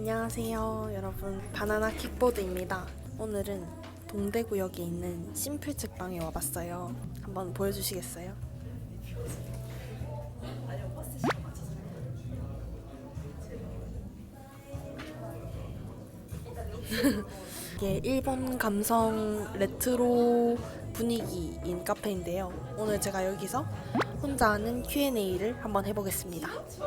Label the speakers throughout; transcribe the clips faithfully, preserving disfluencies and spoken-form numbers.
Speaker 1: 안녕하세요 여러분, 바나나 킥보드입니다. 오늘은 동대구역에 있는 심플 책방에 와봤어요. 한번 보여주시겠어요? 이게 일본 감성 레트로 분위기인 카페인데요. 오늘 제가 여기서 혼자 하는 큐 앤 에이를 한번 해보겠습니다.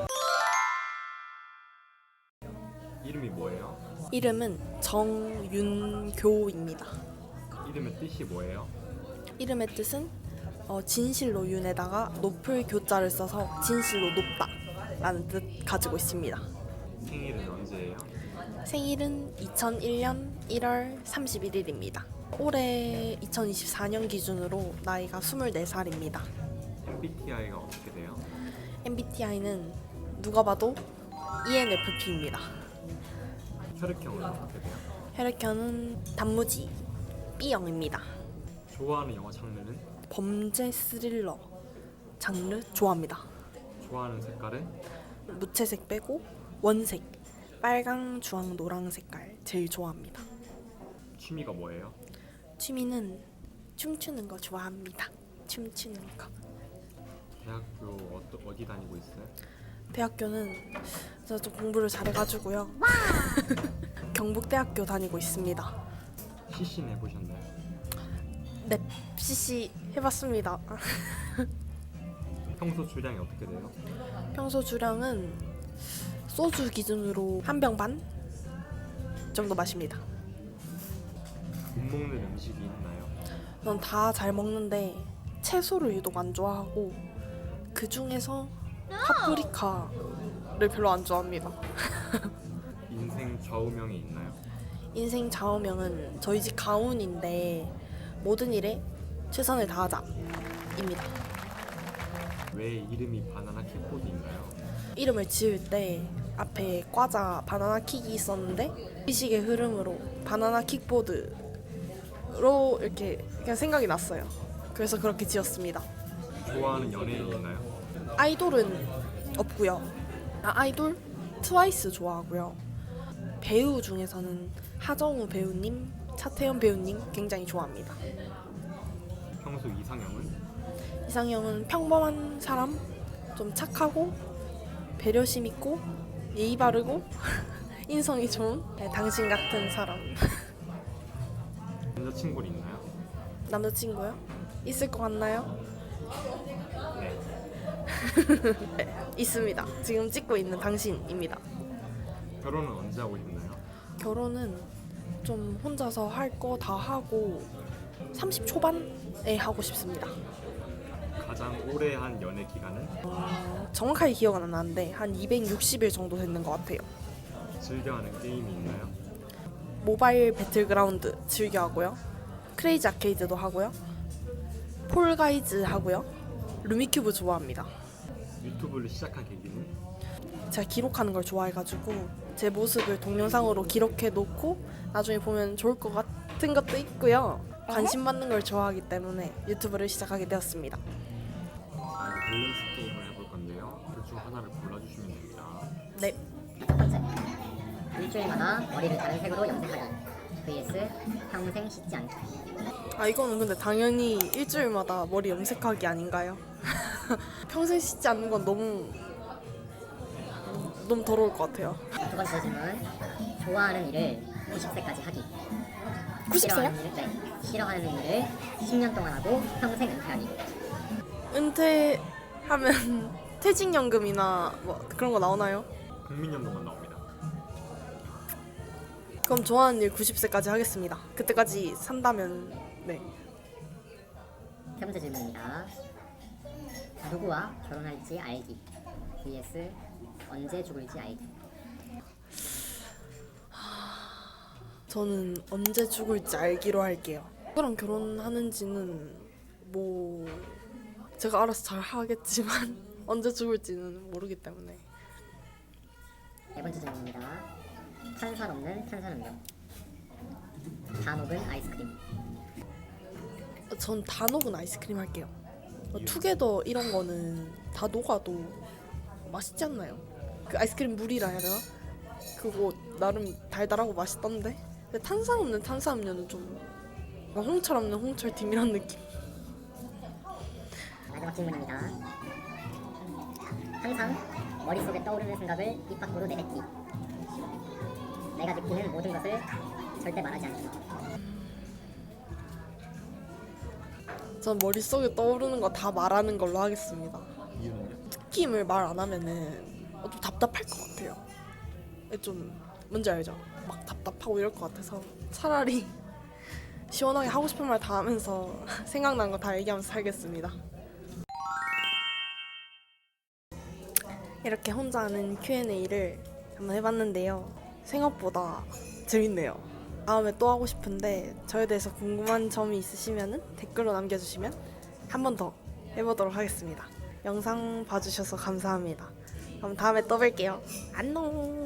Speaker 2: 이름이 뭐예요?
Speaker 1: 이름은 정윤교입니다.
Speaker 2: 이름의 뜻이 뭐예요?
Speaker 1: 이름의 뜻은 어, 진실로 윤에다가 높을 교자를 써서 진실로 높다 라는 뜻 가지고 있습니다.
Speaker 2: 생일은 언제예요?
Speaker 1: 생일은 이천일 년 일월 삼십일일입니다. 올해 이천이십사 년 기준으로 나이가 스물네 살입니다.
Speaker 2: 엠 비 티 아이가 어떻게 돼요?
Speaker 1: 엠 비 티 아이는 누가 봐도 이 엔 에프 피입니다.
Speaker 2: 혈액형은 어떻게 돼요?
Speaker 1: 혈액형은 단무지 B형입니다.
Speaker 2: 좋아하는 영화 장르는?
Speaker 1: 범죄 스릴러 장르 좋아합니다.
Speaker 2: 좋아하는 색깔은?
Speaker 1: 무채색 빼고 원색, 빨강, 주황, 노랑 색깔 제일 좋아합니다.
Speaker 2: 취미가 뭐예요?
Speaker 1: 취미는 춤추는 거 좋아합니다. 춤추는 거.
Speaker 2: 대학교 어떠, 어디 다니고 있어요?
Speaker 1: 대학교는 제가 좀 공부를 잘해가지고요. 경북대학교 다니고 있습니다.
Speaker 2: 씨 씨는 해보셨나요?
Speaker 1: 네, 씨씨 해봤습니다.
Speaker 2: 평소 주량이 어떻게 돼요?
Speaker 1: 평소 주량은 소주 기준으로 한 병 반 정도 마십니다.
Speaker 2: 못 먹는 음식이 있나요?
Speaker 1: 전 다 잘 먹는데 채소를 유독 안 좋아하고 그 중에서 파프리카를 별로 안 좋아합니다.
Speaker 2: 인생 좌우명이 있나요?
Speaker 1: 인생 좌우명은 저희 집 가훈인데 모든 일에 최선을 다하자입니다.
Speaker 2: 왜 이름이 바나나 킥보드인가요?
Speaker 1: 이름을 지을 때 앞에 과자 바나나 킥이 있었는데 의식의 흐름으로 바나나 킥보드로 이렇게 그냥 생각이 났어요. 그래서 그렇게 지었습니다.
Speaker 2: 좋아하는 연예인 있나요?
Speaker 1: 아이돌은 없고요. 아, 아이돌 트와이스 좋아하고요. 배우 중에서는 하정우 배우님, 차태현 배우님 굉장히 좋아합니다.
Speaker 2: 평소 이상형은?
Speaker 1: 이상형은 평범한 사람, 좀 착하고 배려심 있고 예의 바르고 인성이 좋은 네, 당신 같은 사람.
Speaker 2: 남자친구 있나요?
Speaker 1: 남자친구요? 있을 것 같나요?
Speaker 2: 네.
Speaker 1: 네, 있습니다. 지금 찍고 있는 당신입니다.
Speaker 2: 결혼은 언제 하고 싶나요?
Speaker 1: 결혼은 좀 혼자서 할 거 다 하고 삼십 초반에 하고 싶습니다.
Speaker 2: 가장 오래 한 연애 기간은?
Speaker 1: 어, 정확하게 기억은 안 나는데 한 이백육십 일 정도 됐는 것 같아요.
Speaker 2: 즐겨하는 게임이 있나요?
Speaker 1: 모바일 배틀그라운드 즐겨 하고요. 크레이지 아케이드도 하고요. 폴가이즈 하고요. 루미큐브 좋아합니다.
Speaker 2: 유튜브를 시작한 계기는?
Speaker 1: 제가 기록하는 걸 좋아해가지고 제 모습을 동영상으로 기록해 놓고 나중에 보면 좋을 것 같은 것도 있고요. 관심 받는 걸 좋아하기 때문에 유튜브를 시작하게 되었습니다.
Speaker 2: 아, 이제 밸런스 게임을 해볼 건데요. 둘 중 하나를 골라주시면 됩니다.
Speaker 1: 네,
Speaker 3: 첫 번째, 일주일마다 머리를 다른 색으로 염색하기 vs 평생 씻지 않기.
Speaker 1: 아 이거는 근데 당연히 일주일마다 머리 염색하기 아닌가요? 평생 씻지 않는 건 너무 너무 더러울 것 같아요.
Speaker 3: 두 번째 질문, 좋아하는 일을 구십 세까지 하기.
Speaker 1: 구십 세요?
Speaker 3: 싫어하는 일을, 네, 싫어하는 일을 십 년 동안 하고 평생 은퇴하기.
Speaker 1: 은퇴하면 퇴직연금이나 뭐 그런 거 나오나요?
Speaker 2: 국민연금만 나옵니다.
Speaker 1: 그럼 좋아하는 일 구십 세까지 하겠습니다. 그때까지 산다면 네.
Speaker 3: 세 번째 질문입니다. 누구와 결혼할지 알기 vs 언제 죽을지 알기.
Speaker 1: 저는 언제 죽을지 알기로 할게요. 누구랑 결혼하는지는 뭐 제가 알아서 잘 하겠지만 언제 죽을지는 모르기 때문에.
Speaker 3: 네 번째 질문입니다. 탄산 없는 탄산음료, 다 녹은 아이스크림.
Speaker 1: 전 다 녹은 아이스크림 할게요. 투게더 이런 거는 다 녹아도 맛있지 않나요? 그 아이스크림 물이라 해야 되나? 그거 나름 달달하고 맛있던데. 근데 탄산 없는 탄산음료는 좀 뭔가 홍철 없는 홍철 dim이란 느낌.
Speaker 3: 마지막 질문입니다. 항상 머릿속에 떠오르는 생각을 입 밖으로 내뱉기. 내가 느끼는 모든 것을 절대 말하지 않기.
Speaker 1: 전 머릿속에 떠오르는 거 다 말하는 걸로 하겠습니다.
Speaker 2: 이유는요?
Speaker 1: 느낌을 말 안 하면은 어, 좀 답답할 것 같아요. 좀 뭔지 알죠? 막 답답하고 이럴 것 같아서 차라리 시원하게 하고 싶은 말 다 하면서 생각난 거 다 얘기하면서 살겠습니다. 이렇게 혼자 하는 큐 앤 에이를 한번 해봤는데요. 생각보다 재밌네요. 다음에 또 하고 싶은데 저에 대해서 궁금한 점이 있으시면 댓글로 남겨주시면 한 번 더 해보도록 하겠습니다. 영상 봐주셔서 감사합니다. 그럼 다음에 또 뵐게요. 안녕.